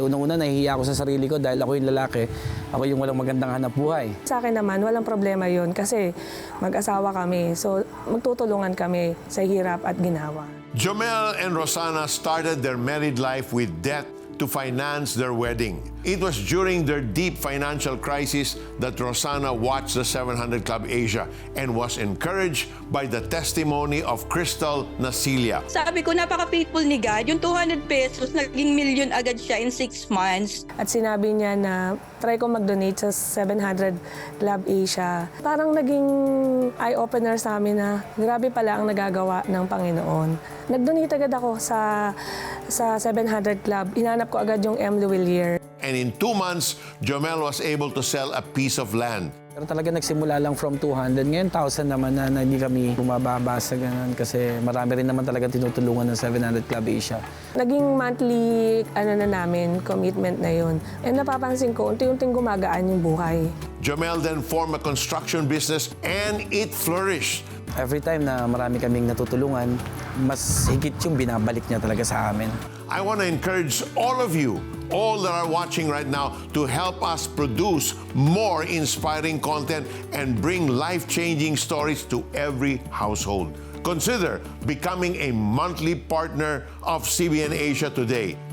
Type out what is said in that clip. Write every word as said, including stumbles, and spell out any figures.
unang-una nahihiya ako sa sarili ko dahil ako yung lalaki, ako yung walang magandang hanap buhay. Sa akin naman, walang problema yun kasi mag-asawa kami. So, magtutulungan kami sa hirap at ginawa. Jomel and Rosana started their married life with debt to finance their wedding. It was during their deep financial crisis that Rosana watched the seven hundred Club Asia and was encouraged by the testimony of Crystal Nasilia. Sabi ko, napaka-faithful ni God. Yung two hundred pesos, naging million agad siya in six months. At sinabi niya na try ko mag-donate sa seven hundred Club Asia. Parang naging eye-opener sa amin na grabe pala ang nagagawa ng Panginoon. Nag-donate agad ako sa, sa seven hundred Club. Hinanap ko agad yung M. Luwilier. And in two months, Jomel was able to sell a piece of land. Pero talaga nagsimula lang from two hundred. Ngayon, one thousand naman na, na hindi kami bumababa sa ganun kasi marami rin naman talaga tinutulungan ng seven hundred Club Asia. Naging monthly ano na namin, commitment na yun. And napapansin ko, unti-unting gumagaan yung buhay. Jomel then formed a construction business and it flourished. Every time na marami kaming natutulungan, mas higit yung binabalik niya talaga sa amin. I want to encourage all of you, all that are watching right now, to help us produce more inspiring content and bring life-changing stories to every household. Consider becoming a monthly partner of C B N Asia today.